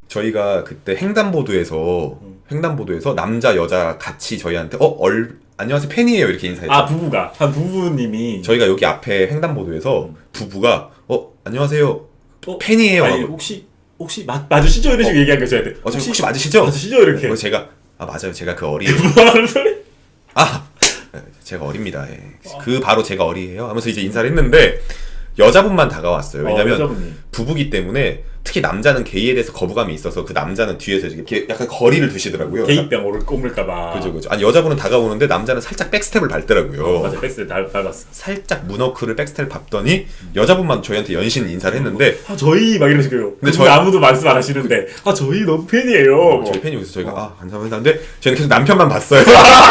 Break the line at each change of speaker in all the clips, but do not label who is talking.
저희가 그때 횡단보도에서 남자 여자 같이 저희한테 안녕하세요 팬이에요 이렇게 인사했죠.
아 부부가 한 부부님이
저희가 여기 앞에 횡단보도에서 부부가 팬이에요.
아니, 혹시 맞으시죠? 이런 식으로 얘기한 거 줘야 돼.
혹시 맞으시죠?
맞으시죠? 이렇게.
그래서 제가 맞아요. 제가 그 어리예요.
뭐 하는 소리?
제가 어립니다. 예. 그 바로 제가 어리예요. 하면서 이제 인사를 했는데 여자분만 다가왔어요. 왜냐면
여자분이.
부부기 때문에 특히 남자는 게이에 대해서 거부감이 있어서 그 남자는 뒤에서 이렇게 약간 거리를 두시더라고요.
게이병 꼽을까봐.
그죠. 아니 여자분은 다가오는데 남자는 살짝 백스텝을 밟더라고요.
맞아, 백스텝 밟았어.
살짝 문워크를 백스텝을 밟더니 여자분만 저희한테 연신 인사를 했는데
저희 막 이런 식으로. 근데 저희 아무도 말씀 안 하시는데 저희 너무 팬이에요.
저희 팬이 여기서 저희가 감사합니다. 근데 저희는 계속 남편만 봤어요.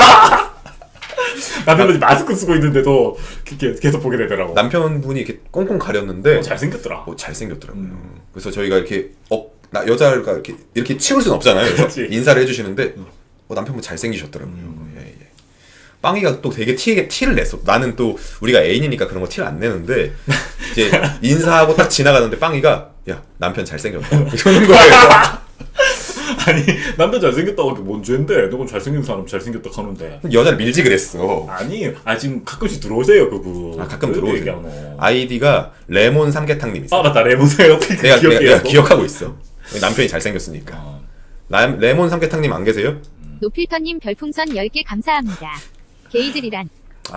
남편분이 마스크 쓰고 있는데도 계속 보게 되더라고.
남편분이 이렇게 꽁꽁 가렸는데
잘생겼더라.
잘생겼더라고요. 그래서 저희가 이렇게 여자가 이렇게 치울 수는 없잖아요. 그래서 인사를 해주시는데 남편분 잘생기셨더라고요. 예. 빵이가 또 되게 티를 냈어. 나는 또 우리가 애인이니까 그런 거 티를 안 내는데 이제 인사하고 딱 지나가는데 빵이가 야 남편 잘생겼다 이러는 거예요.
아니 남편 잘생겼다고 하기 뭔 죄인데 너건 잘생긴 사람 잘생겼다 하는데
여자를 밀지 그랬어.
아니 지금 가끔씩 들어오세요 그분.
가끔 들어오세요. 아이디가 레몬 삼계탕님 있어요.
맞다 레몬사요. 어떻게
내가 기억하고 있어. 남편이 잘생겼으니까. 레몬 삼계탕님 안 계세요?
노필터님 별풍선 10개 감사합니다. 게이들이란.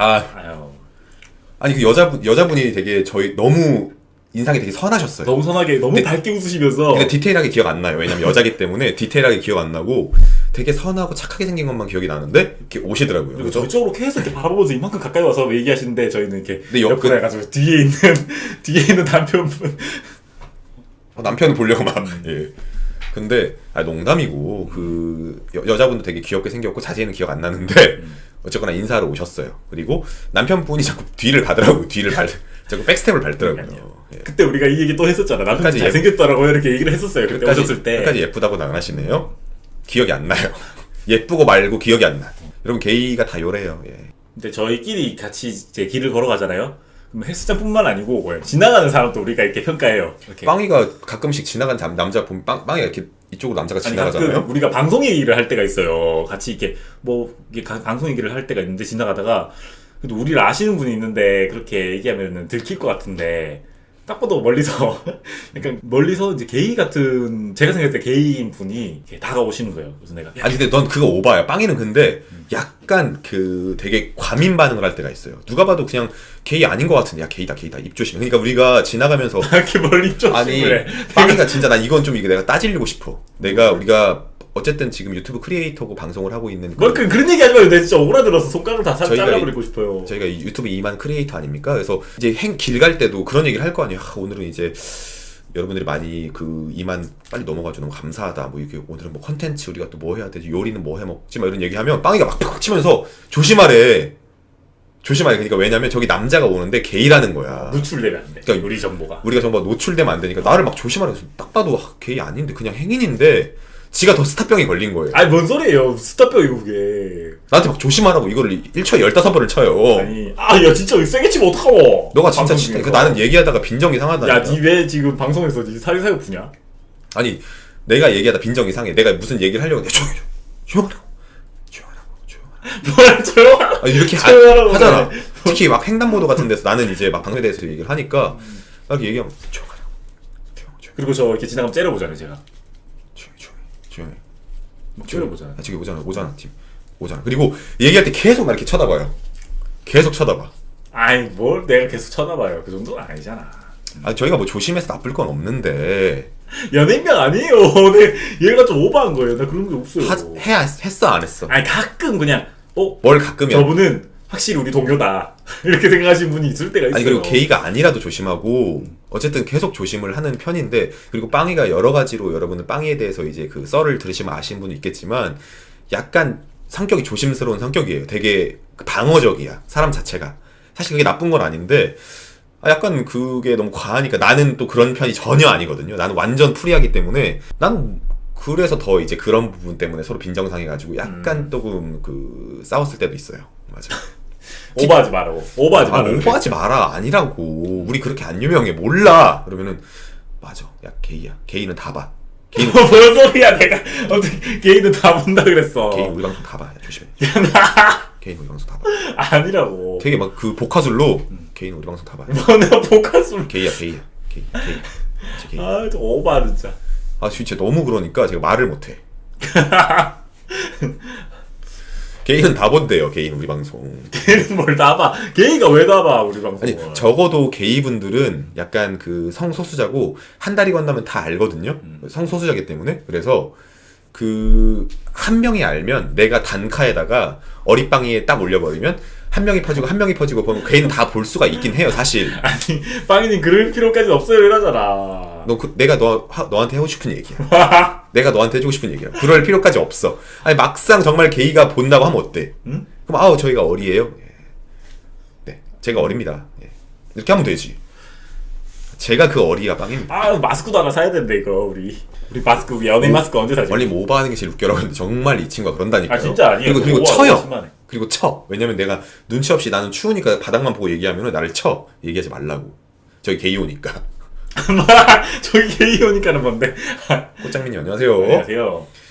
아니 그 여자분이 되게 저희 너무 인상이 되게 선하셨어요.
너무 선하게 너무 밝게 웃으시면서.
그러니까 디테일하게 기억 안 나요. 왜냐면 여자기 때문에 디테일하게 기억 안 나고 되게 선하고 착하게 생긴 것만 기억이 나는데 이렇게 오시더라고요.
그리고 저쪽으로 계속 이렇게 바라보면서 이만큼 가까이 와서 얘기하시는데 저희는 이렇게
옆으로
해가지고 뒤에 있는 남편분
남편을 보려고 막 예. 근데 농담이고 그 여자분도 되게 귀엽게 생겼고 자세히는 기억 안 나는데 어쨌거나 인사하러 오셨어요. 그리고 남편분이 자꾸 뒤를 가더라고요. 자꾸 백스텝을 밟더라고요. 예.
그때 우리가 이 얘기 또 했었잖아. 남편이 잘생겼더라고요. 이렇게 얘기를 했었어요. 그때 오셨을 때.
끝까지 예쁘다고는 안 하시네요. 기억이 안 나요. 예쁘고 말고 기억이 안 나. 여러분 게이가 다 요래요. 예.
근데 저희끼리 같이 이제 길을 걸어가잖아요. 그럼 헬스장뿐만 아니고 지나가는 사람도 우리가 이렇게 평가해요. 이렇게.
빵이가 가끔씩 지나간 남자 보면 빵이가 이렇게 이쪽으로 남자가 지나가잖아요.
우리가 방송 얘기를 할 때가 있어요. 같이 이렇게 방송 얘기를 할 때가 있는데 지나가다가 그래도 우리를 아시는 분이 있는데 그렇게 얘기하면은 들킬 것 같은데 딱 봐도 멀리서 약간 멀리서 이제 게이 같은 제가 생각할 때 게이인 분이 이렇게 다가오시는 거예요. 그래서 내가
아니 근데 넌 그거 오바야. 빵이는 근데 약간 그 되게 과민 반응을 할 때가 있어요. 누가 봐도 그냥 게이 아닌 것 같은데 야 게이다 입 조심. 그러니까 우리가 지나가면서
이렇게 멀리 입 조심을 해.
빵이가 진짜 난 이건 좀 내가 따지려고 싶어. 우리가 어쨌든 지금 유튜브 크리에이터고 방송을 하고 있는
그런 얘기 하지 마요. 내가 진짜 오그라들어서 손가락을 다 잘라버리고 싶어요.
저희가 유튜브 2만 크리에이터 아닙니까? 그래서 이제 길 갈 때도 그런 얘기를 할 거 아니에요. 오늘은 이제 여러분들이 많이 그 2만 빨리 넘어가줘 너무 감사하다. 이게 오늘은 컨텐츠 우리가 또 뭐 해야 되지? 요리는 뭐 해 먹지? 이런 얘기하면 빵이가 막 팍 치면서 조심하래. 그러니까 왜냐면 저기 남자가 오는데 게이라는 거야.
노출되면 안 돼. 그러니까 우리가 정보가
노출되면 안 되니까 나를 막 조심하래. 딱 봐도 게이 아닌데 그냥 행인인데 지가 더 스타병이 걸린 거예요.
아니 뭔 소리예요. 스타병이고 그게.
나한테 막 조심하라고 이거를 1초에 15번을 쳐요.
아니 야 진짜 세게 치면 어떡하고.
너가 진짜 나는 얘기하다 빈정이 상하다니까.
야 니 왜 지금 방송에서 니 사회사고 부냐?
아니 내가 얘기하다 빈정이 상해. 내가 무슨 얘기를 하려고 조용하라고
뭘 조용하라고
이렇게 하잖아. 특히 막 횡단보도 같은 데서 나는 이제 막 방송에 대해서 얘기를 하니까 이렇게 얘기하면 조용하라고.
그리고 저 이렇게 지나가면 째려보잖아요 제가.
조용히.
째려보잖아요.
저기 오잖아 팀. 오잖아. 그리고 얘기할 때 계속 나 이렇게 쳐다봐요. 계속 쳐다봐.
아이 뭘 내가 계속 쳐다봐요. 그 정도는 아니잖아.
저희가 뭐 조심해서 나쁠 건 없는데.
연예인명 아니에요. 근데 얘가 좀 오버한 거예요. 나 그런 게 없어요.
했어 안 했어?
아니 가끔 그냥
뭘 가끔이야.
저분은 확실히 우리 동료다 이렇게 생각하시는 분이 있을 때가 있어요.
아니 그리고 게이가 아니라도 조심하고 어쨌든 계속 조심을 하는 편인데 그리고 빵이가 여러 가지로 여러분은 빵이에 대해서 이제 그 썰을 들으시면 아시는 분이 있겠지만 약간 성격이 조심스러운 성격이에요. 되게 방어적이야 사람 자체가. 사실 그게 나쁜 건 아닌데 약간 그게 너무 과하니까 나는 또 그런 편이 전혀 아니거든요. 나는 완전 프리하기 때문에 나는 그래서 더 이제 그런 부분 때문에 서로 빈정상해가지고 약간 조금 그 싸웠을 때도 있어요. 맞아.
오버하지 말라고.
오버하지 마라. 아니라고. 우리 그렇게 안 유명해. 몰라. 그러면은 맞아. 야 게이야. 게이는 다 봐. 개인
뭔 소리야? 내가 어떻게 개인은 다 본다 그랬어.
개인 우리 방송 다 봐. 조심해. 개인 우리 방송 다 봐.
아니라고.
되게 막 그 복화술로 개인 우리 방송 다 봐.
뭐 내가 복화술.
게이야. 진짜 게이.
아, 좀 오바 진짜.
아 진짜 너무 그러니까 제가 말을 못해. 개인은 다 본대요. 개인 우리 방송.
개인은 뭘 다 봐. 개인가 왜 다 봐, 우리 방송.
아니 적어도 게이분들은 약간 그 성소수자고 한 달이 건너면 다 알거든요. 성소수자기 때문에. 그래서 그 한 명이 알면 내가 단카에다가 어릿방이에 딱 올려버리면 한 명이 퍼지고 한 명이 퍼지고 보면 걔는 다 볼 수가 있긴 해요 사실.
아니, 빵이님 그럴 필요까지는 없어요 이러잖아.
내가 너한테 하고 싶은 얘기야. 내가 너한테 해주고 싶은 얘기야. 그럴 필요까지 없어. 아니 막상 정말 게이가 본다고 하면 어때?
응?
그럼 저희가 어리예요? 예. 네, 제가 어립니다. 예. 이렇게 하면 되지. 제가 그 어리가 빵입니다.
아, 마스크도 하나 사야 되는데 이거 우리 마스크 연예인 마스크 언제 사지?
원래 뭐 오버하는 게 제일 웃겨라고 했는데 정말 이 친구가 그런다니까요.
아 진짜 아니에요.
그리고
오버가
쳐요.
심하네.
그리고 쳐. 왜냐면 내가 눈치 없이 나는 추우니까 바닥만 보고 얘기하면 나를 쳐. 얘기하지 말라고. 저기 게이 오니까.
저기 게이 오니까는 뭔데?
꽃장민님 안녕하세요.
안녕하세요.